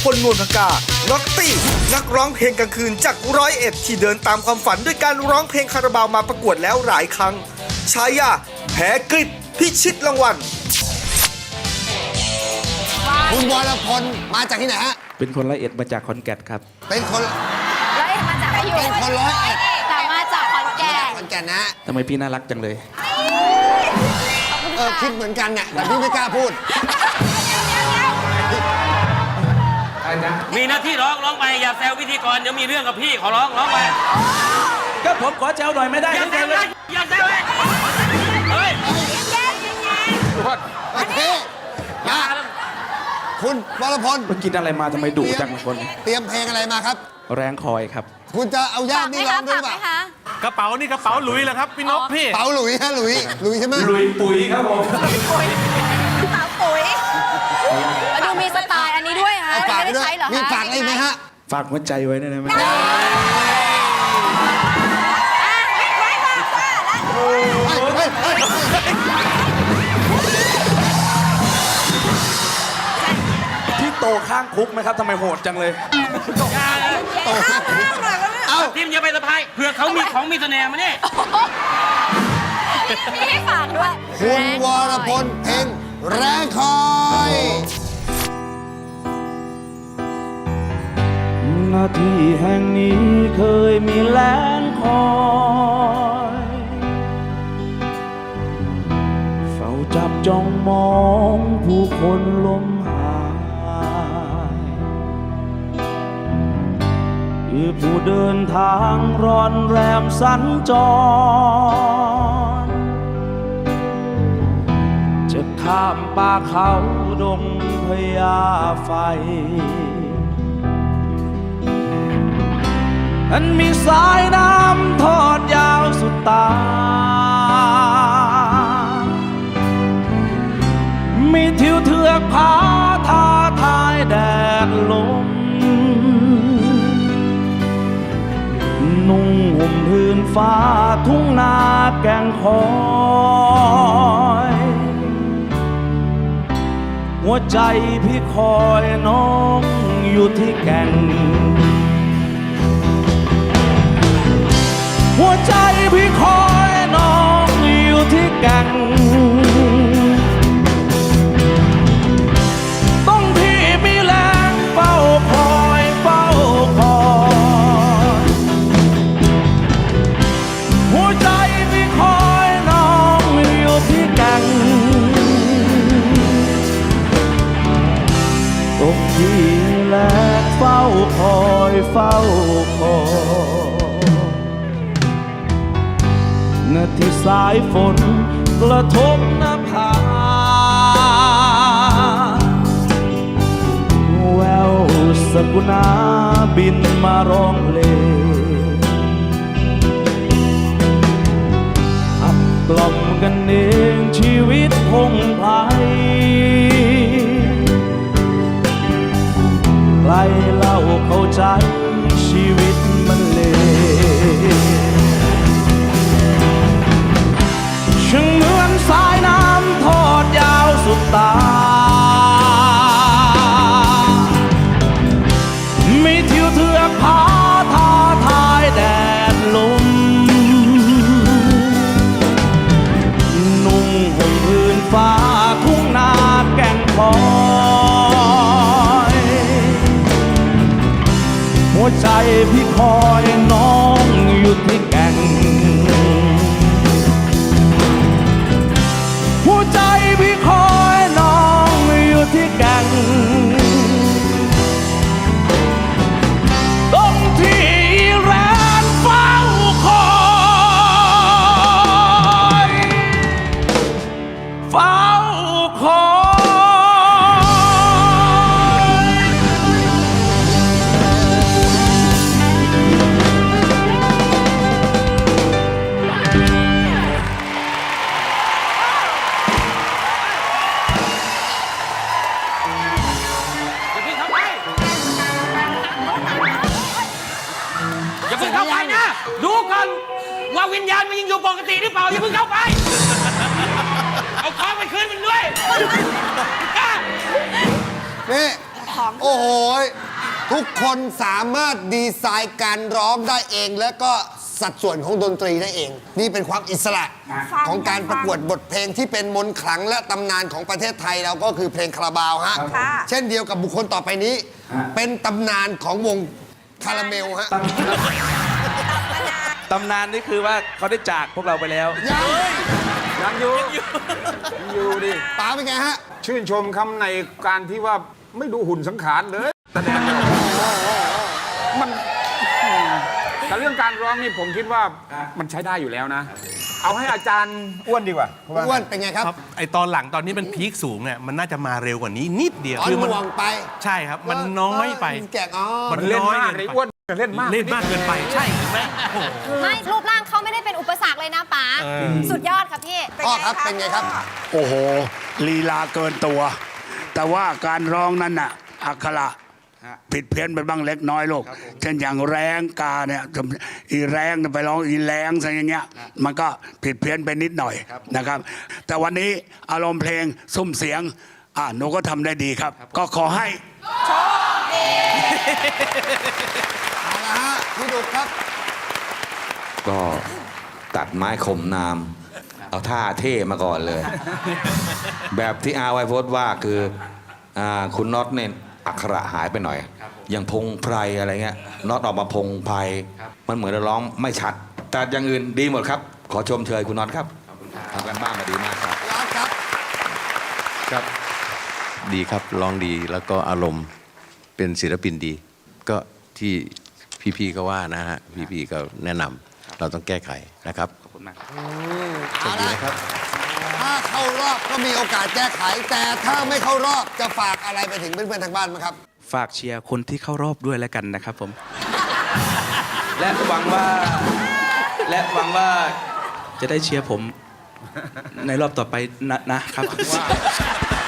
พลนวลพกาน็อตตี้นักร้องเพลงกลางคืนจาก101ที่เดินตามความฝันด้วยการร้องเพลงคาราบาวมาประกวดแล้วหลายครั้งฉายาแผลกริบพิชิตรางวัลคุณวรพลมาจากที่ไหนฮะเป็นคน101มาจากขอนแก่นครับเป็นคน 101มาจากอายุเป็นคน101 แต่มาจากขอนแก่นขอนแก่นนะทำไมพี่น่ารักจังเลยคิดเหมือนกันน่ะแต่พี่ไม่กล้าพูดมีหน้าที่ร้องไปอย่าแซวพิธีกรเดี๋ยวมีเรื่องกับพี่ขอร้องไปก็ผมขอแจวหน่อยไม่ได้อย่าแซวเลยอย่าแซวเลยเฮ้ยโอเคมาคุณวรพลมันกินอะไรมาทำไมดุจังคนเตรียมเพลงอะไรมาครับแรงคอยครับคุณจะเอาย่ามนี่ร้องด้วยป่ะกระเป๋านี่กระเป๋าหลุยเหรอครับพี่นกพี่กระเป๋าหลุยฮะหลุยใช่ไหมหลุยปุ๋ยครับผมสาวปุ๋ยดูมีสไตล์อันนี้ด้วยฮะไม่ได้ใช้เหรอฮะมีฝากอะไรไหมฮะฝากหัวใจไว้ได้ไหมพี่โตข้างคุกไหมครับทำไมโหดจังเลยเอาทีมอย่าไปสะพายเผื่อเขามีของมีเสน่ห์มาเนี่ยมีให้ฝากด้วยคุณวรพลเพลงแรงคอยหน้าที่แห่งนี้เคยมีแรงคอยเฝ้าจับจ้องมองผู้คนล้มหายคือผู้เดินทางร้อนแรมสัญจรจะข้ามป่าเขาดงพญาไฟอันมีสายน้ำทอดยาวสุดตามีทิวเทือกผาท้าทายแดดลมนุ่งห่มพื้นฟ้าทุ่งนาแก่งคอยหัวใจพี่คอยน้องอยู่ที่แก่งหัวใจพี่คอยน้องอยู่ที่แก่งต้องพี่มีแรงเฝ้าคอยหัวใจพี่คอยน้องอยู่ที่แก่งต้องพี่แลเฝ้าคอยนาที่สายฝนกระทบหน้าผาแววสกุณาบินมาร้องเพลงขับกล่อมกันเองชีวิตพงไพรใครเล่าเข้าใจชีวิตมันเลวช่างเหมือนสายน้ำทอดยาวสุดตามีทิวเทือกผาท้าทายแดดลมนุ่งห่มพื้นฟ้าทุ่งนาแก่งคอยหัวใจพี่คอยน้องอยู่ที่แก่งหัวใจพี่คอยน้องอยู่ที่แก่งตรงที่แรงเฝ้าคอยอย่าเพิ่งเข้าไปนะดูก่อนว่าวิญญาณมันยังอยู่ปกติหรือเปล่าอย่าเพิ่งเข้าไปเอาของไปคืนมันด้วยนี่ของโอ้โหทุกคนสามารถดีไซน์การร้องได้เอง และก็สัดส่วนของดนตรีได้เอง นี่เป็นความอิสระของการประกวดบทเพลงที่เป็นมนต์ขลังและตำนานของประเทศไทยเราก็คือเพลงคาราบาวฮะค่ะเช่นเดียวกับบุคคลต่อไปนี้ เป็นตำนานของวงคาราเมลฮะตำนานนี่คือว่าเขาได้จากพวกเราไปแล้วยังยังอยู่ดิป๋าเป็นไงฮะชื่นชมคำในการที่ว่าไม่ดูหุ่นสังขารเลยแสดงมันแต่เรื่องการร้องนี่ผมคิดว่ามันใช้ได้อยู่แล้วนะ เอาให้อาจารย์อ้วนดีกว่าอ้วนเป็นไงครับครับไอตอนหลังตอนนี้มันพีคสูงเนี่ยมันน่าจะมาเร็วกว่านี้นิดเดียวอ๋อคือหมันน่วงไปใช่ครับ มันน้อยไปแกะอ๋อมันเล่นน้อยมากเกิเลยนไปอ้วนเล่นมากเล่นมากเกินไปใช่เห็นไหมโอ้โหไม่รูปร่างเขาไม่ได้เป็นอุปสรรคเลยนะป๋าสุดยอดค่ะพี่พ่อครับเป็นไงครับโอ้โหลีลาเกินตัว แต่ว่าการร้องนั้นน่ะอักขระผิดเพี้ยนไปบ้างเล็กน้อยลูกเช่นอย่างแรงกาเนี่ยอีแรงไปร้องอีแรงอะไรอย่างเงี้ยมันก็ผิดเพี้ยนไปนิดหน่อยนะครับ แต่วันนี้อารมณ์เพลงซุ้มเสียงหนูก็ทำได้ดีครับ ก็ขอให้เอาละฮะพี่ดุกครับก็ตัดไม้ข่มนาม เอาท่าเท่มาก่อนเลย แบบที่อาไวโพสต์ว่าคือคุณน็อตเนี่ยอักขระหายไปหน่อย อย่างพงไพรอะไรเงี้ยน็อตออกมาพงไพรมันเหมือนร้องไม่ชัด แต่อย่างอื่นดีหมดครับ ขอชมเชยคุณน็อตครับทำกันบ้านมาดีมากครับร้อนครับครับดีครับร้องดีแล้วก็อารมณ์เป็นศิลปินดี ก็ที่พี่ๆก็ว่านะฮะพี่ๆก็แนะนำเราต้องแก้ไขนะครับขอบคุณมากเอาละถ้าเข้ารอบก็มีโอกาสแก้ไข แต่ถ้าไม่เข้ารอบจะฝากอะไรไปถึงเพื่อนๆทางบ้านไหมครับฝากเชียร์คนที่เข้ารอบด้วยแล้วกันนะครับผม และหวังว่าจะได้เชียร์ผมในรอบต่อไปนะครับ